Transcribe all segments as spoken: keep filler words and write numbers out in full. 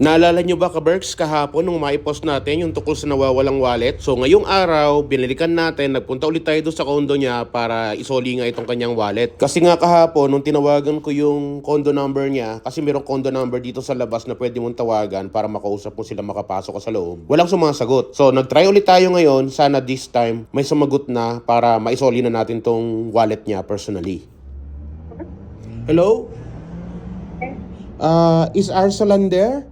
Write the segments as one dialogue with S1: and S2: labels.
S1: Naalala nyo ba, Kaberks, kahapon nung maipost natin yung tungkol sa nawawalang wallet? So ngayong araw, binalikan natin, nagpunta ulit tayo doon sa condo niya para isoli nga itong kanyang wallet. Kasi nga kahapon, nung tinawagan ko yung condo number niya, kasi mayroong condo number dito sa labas na pwede mong tawagan para makausap mo sila makapasok ka sa loob. Walang sumasagot. So nagtry ulit tayo ngayon, sana this time may sumagot na para maisoli na natin tong wallet niya personally. Hello? Uh, is Arsalan there?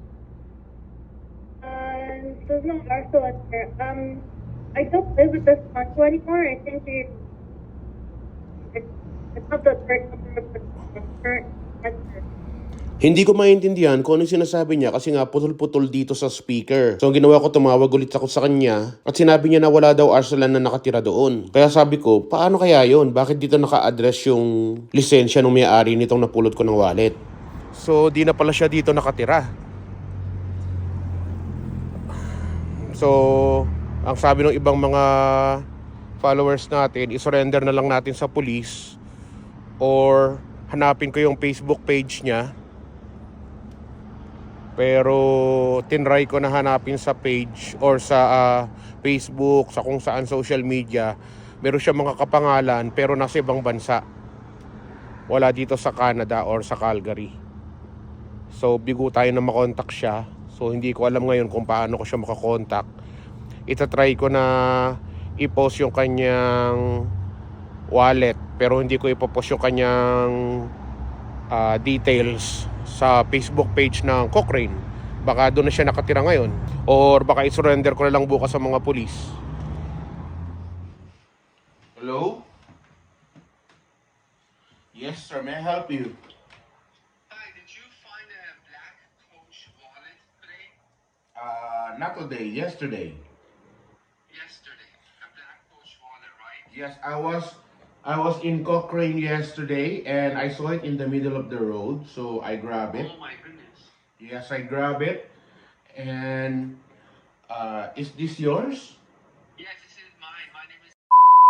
S2: Um, there's no Marshall up there. Um, I don't live with this Marshall anymore. I think we, it's, it's not the correct number of the current answer.
S1: Hindi ko maintindihan kung ano yung sinasabi niya kasi nga putol-putol dito sa speaker. So ang ginawa ko, tumawag ulit ako sa kanya at sinabi niya na wala daw Arsalan na nakatira doon. Kaya sabi ko, paano kaya yon? Bakit dito naka-address yung lisensya ng may-ari nitong napulot ko ng wallet? So di na pala siya dito nakatira. So ang sabi ng ibang mga followers natin, isurrender na lang natin sa police or hanapin ko yung Facebook page niya. Pero tinry ko na hanapin sa page or sa uh, Facebook, sa kung saan social media. Meron siya mga kapangalan pero nasa ibang bansa. Wala dito sa Canada or sa Calgary. So bigo tayo na makontak siya. So hindi ko alam ngayon kung paano ko siya makakontak. Itatry ko na i-post yung kanyang wallet pero hindi ko ipopost yung kanyang uh, details sa Facebook page ng Cochrane. Baka doon na siya nakatira ngayon. Or baka i-surrender ko na lang bukas sa mga pulis. Hello? Yes sir, may I help you?
S3: Hi, did you find a black Coach wallet today?
S1: Uh, not today, yesterday.
S3: Yesterday. A black Coach wallet, right?
S1: Yes, I was I was in Cochrane yesterday and I saw it in the middle of the road, so I grabbed it.
S3: Oh my goodness.
S1: Yes, I grabbed it. And uh, is this yours?
S3: Yes, this is mine. My name is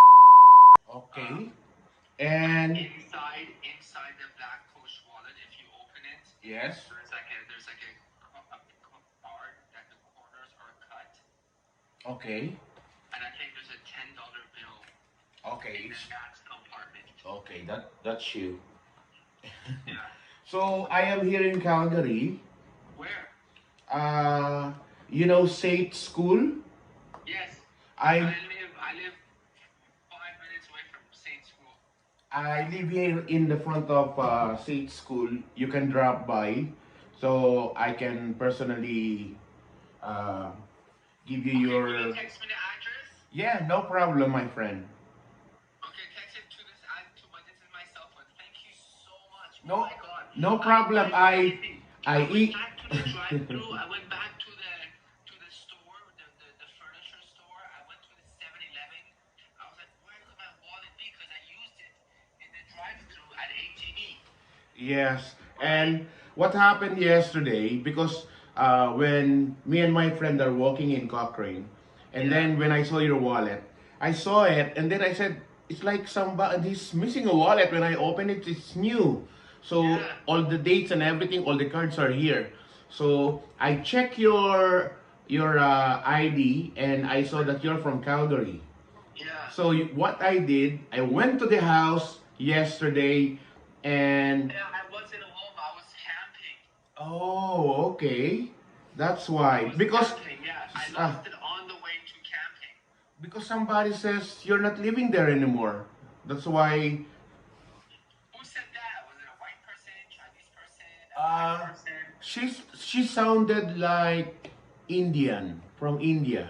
S1: Okay. And
S3: inside inside the black Coach wallet. If you open it,
S1: yes.
S3: there's like a there's like a, a, a card that the corners are cut,
S1: Okay.
S3: and I think there's a ten dollar bill
S1: Okay.
S3: in the back compartment.
S1: Okay, that that's you.
S3: Yeah.
S1: So I am here in Calgary.
S3: Where?
S1: Uh, you know Sate School?
S3: Yes.
S1: I
S3: I live I live five minutes away from Saint School.
S1: I live here in the front of uh, Sate School. You can drop by, so I can personally uh, give you
S3: Okay,
S1: your.
S3: will you text me the address?
S1: Yeah, no problem, my friend.
S3: Okay, text it to this ad to my this is my cell phone. Thank you so much.
S1: No-
S3: Oh my god.
S1: no problem. I- I
S3: went
S1: eat-
S3: back to the drive-through. I went back to the to the store, the, the, the furniture store. I went to the seven eleven. I was like, where could my wallet be? Because I used it in the drive-through at H E B.
S1: Yes, and what happened yesterday, because uh, when me and my friend are walking in Cochrane, and then when I saw your wallet, I saw it, and then I said, it's like somebody's missing a wallet. When I open it, it's new. So
S3: Yeah.
S1: all the dates and everything, all the cards are here. So I check your your uh, I D, and I saw that you're from Calgary.
S3: Yeah.
S1: So you- what I did, I went to the house yesterday, and
S3: Yeah, I wasn't home. I was camping.
S1: oh, okay. That's
S3: I
S1: why.
S3: was
S1: Because
S3: camping, yeah. I
S1: ah,
S3: lost it on the way to camping.
S1: because somebody says you're not living there anymore. That's why.
S3: Who said that? Was it a white person, Chinese person, a
S1: Uh,
S3: black person?
S1: She's she sounded like Indian from India.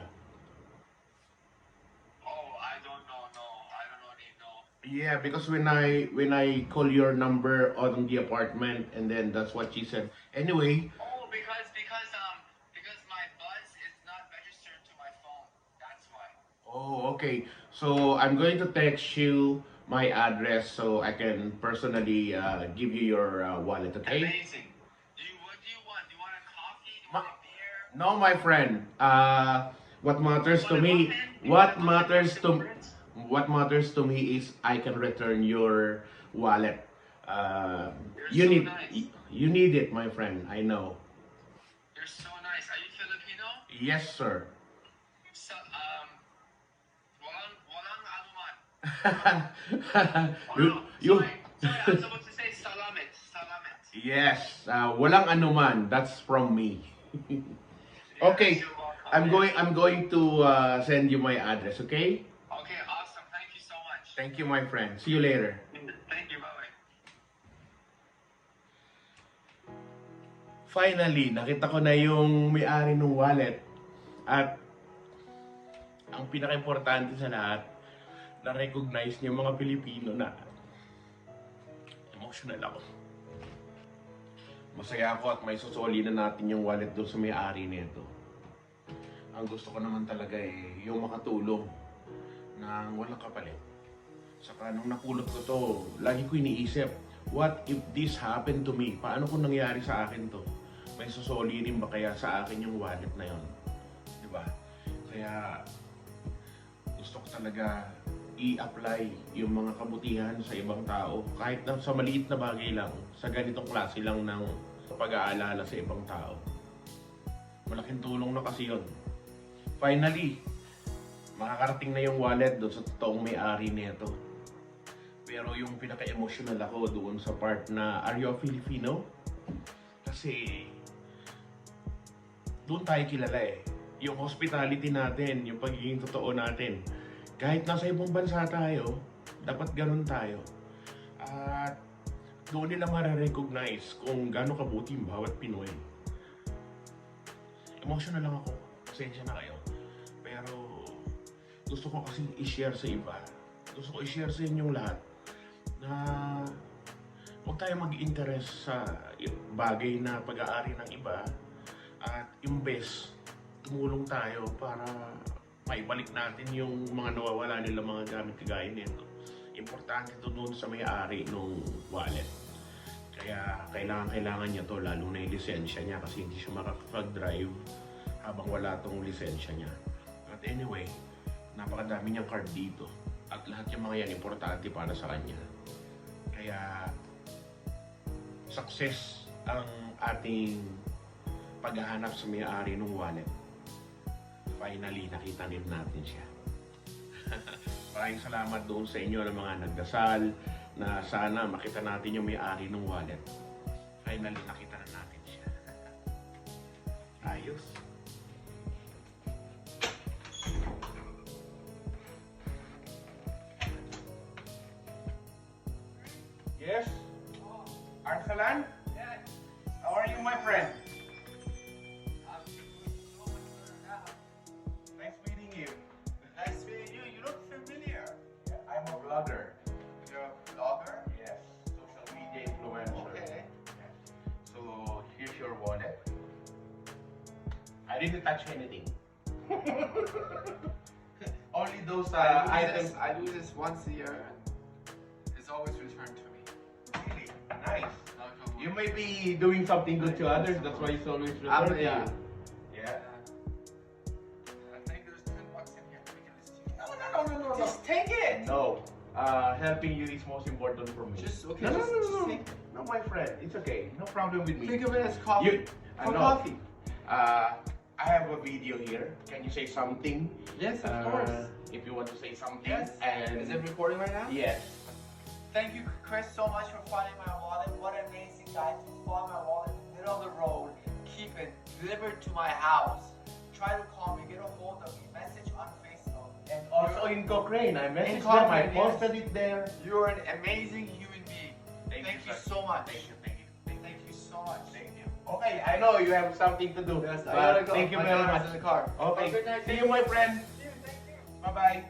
S3: Oh, I don't know. No, I don't really know.
S1: Yeah, because when I when I call your number on the apartment, and then that's what she said. Anyway,
S3: Oh, because because um because my buzz is not registered to my phone. That's why.
S1: oh, okay. So I'm going to text you my address so I can personally uh, give you your uh, wallet. Okay?
S3: Amazing. Do you what do you want? Do you want a coffee? Do you want a beer?
S1: No, my friend. Uh, what matters to
S3: Want a
S1: me,
S3: muffin? Do you
S1: what
S3: want a muffin
S1: matters
S3: with
S1: to,
S3: cigarettes?
S1: what matters to me is I can return your wallet. Uh,
S3: You're
S1: you
S3: so
S1: need,
S3: nice.
S1: you need it, my friend. I know.
S3: You're so nice. Are you Filipino?
S1: Yes, sir.
S3: So, um, walang, walang anuman. Oh,
S1: you,
S3: no.
S1: you,
S3: Sorry. Sorry, I'm supposed to say salamat. Salamat.
S1: yes, uh, walang anuman. That's from me. Okay,
S3: Yes, you're welcome.
S1: I'm
S3: Yes.
S1: going. I'm going to uh, send you my address. Okay.
S3: Okay, awesome. Thank you so much.
S1: Thank you, my friend. See you later.
S3: Thank you. Bye-bye.
S1: Finally, nakita ko na yung may-ari ng wallet. At ang pinaka-importante sa lahat, na-recognize niya mga Pilipino na emotional ako. Masaya ako at may susoli na natin yung wallet doon sa may-ari nito. Ang gusto ko naman talaga eh, yung makatulong ng walang kapalit. Saka nung napulot ko to, lagi ko iniisip, what if this happened to me? Paano kung nangyari sa akin to? May susoli rin ba kaya sa akin yung wallet na yon? Diba? Kaya gusto ko talaga i-apply yung mga kabutihan sa ibang tao. Kahit na sa maliit na bagay lang, sa ganitong klase lang ng pag-aalala sa ibang tao. Malaking tulong na kasi yun. Finally, makakarating na yung wallet doon sa totoong may-ari nito. Pero yung pinaka-emotional ako doon sa part na, are you a Filipino? Kasi doon tayo kilala eh. Yung hospitality natin, yung pagiging totoo natin. Kahit nasa ibang bansa tayo, dapat ganun tayo. At doon nila mare-recognize kung gaano kabuti yung bawat Pinoy. Emotional lang ako. Pasensya na kayo. Pero gusto ko kasi i-share sa iba. Gusto ko i-share sa inyong lahat na huwag tayo mag-interest sa bagay na pag-aari ng iba at imbes tumulong tayo para maibalik natin yung mga nawawala nila mga gamit kagaya nito. Importante ito doon sa may-ari ng wallet. Kaya kailangan-kailangan niya to, lalo na yung lisensya niya kasi hindi siya makakapag-drive habang wala tong lisensya niya. But anyway, napakadami niyang card dito. At lahat yung mga yan importante para sa kanya. Kaya success ang ating paghahanap sa may-ari ng wallet. Finally, nakita din natin siya. Maraming salamat doon sa inyo ng mga nagdasal na sana makita natin yung may-ari ng wallet. Finally, nakita na natin siya. Ayos. Yes? Arsalan?
S3: Yes.
S1: How are you, my friend?
S3: I'm doing so much better now.
S1: Nice meeting you.
S3: Nice meeting you. You look familiar.
S1: I'm a vlogger.
S3: You're a vlogger?
S1: Yes, social media influencer.
S3: Okay.
S1: So, here's your wallet. I didn't touch anything. Only those uh,
S3: I, do
S1: items.
S3: this, I do this once a year and it's always returned to me.
S1: Really nice.
S3: Knock on wood.
S1: You may be doing something good to others. That's why it's always
S3: Um,
S1: returned to
S3: yeah.
S1: you. Yeah.
S3: I think there's ten bucks in here. Let me give this to you.
S1: No, no, no, no, no.
S3: Just take it.
S1: No. Uh, helping you is most important for me.
S3: Just okay.
S1: No, no,
S3: just,
S1: no,
S3: just
S1: no, no.
S3: take it.
S1: No, my friend. It's okay. No problem with me.
S3: Think of it as coffee.
S1: You, I
S3: For
S1: know.
S3: coffee.
S1: Uh, I have a video here. Can you say something?
S3: Yes, of
S1: Uh,
S3: course.
S1: If you want to say something.
S3: Yes.
S1: And
S3: Is it recording right now?
S1: yes.
S3: Thank you, Chris, so much for finding my wallet. What an amazing guy to find my wallet in the middle of the road, keep it delivered to my house. Try to call me, get a hold of me, message on Facebook.
S1: And also in Cochrane, I messaged
S3: In
S1: them. I
S3: Cochrane, yes.
S1: posted it there.
S3: You're an amazing human being.
S1: Thank
S3: Thank,
S1: you,
S3: you,
S1: sir.
S3: so much.
S1: Thank you, thank you, thank you.
S3: Thank you so much.
S1: Thank you. Okay, I know you have something to do.
S3: Yes, I
S1: but
S3: gotta go.
S1: Thank you
S3: My
S1: very
S3: daughter's
S1: much.
S3: in the car.
S1: Okay.
S3: Have a good night.
S1: See you, my friend.
S3: See you. Thank you.
S1: Bye bye.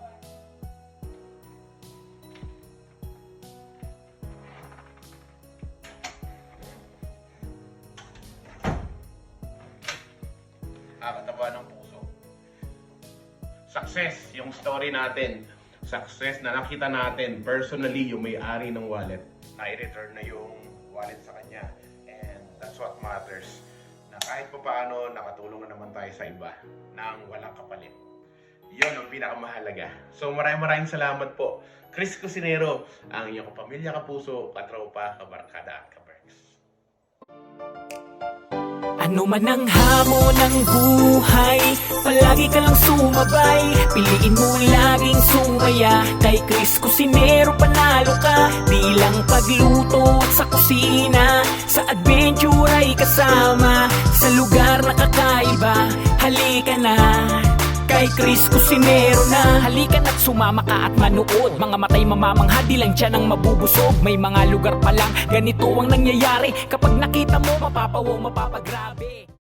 S1: Nakakataba ng puso. Success yung story natin. Success na nakita natin personally yung may-ari ng wallet. Na-return na yung wallet sa kanya. And that's what matters. Na kahit pa paano, nakatulong na naman tayo sa iba nang walang kapalit. Yun ang pinakamahalaga. So maraming maraming salamat po. Chris Cusinero, ang iyong kapamilya, kapuso, katropa, kabarkada at kaberks.
S4: Ano man ang hamon ng buhay, palagi ka lang sumabay. Piliin mo laging sumaya. Kay Chris Cusinero panalo ka. Di lang pagluto at sa kusina, sa adventure ay kasama. Sa lugar na kakaiba, halika na kay Chris Cusinero na. Halika na't sumama ka at manood. Mga matay mamamangha, di lang dyan ang mabubusog. May mga lugar pa lang ganito ang nangyayari. Kapag nakita mo, mapapawaw, mapapagrabe.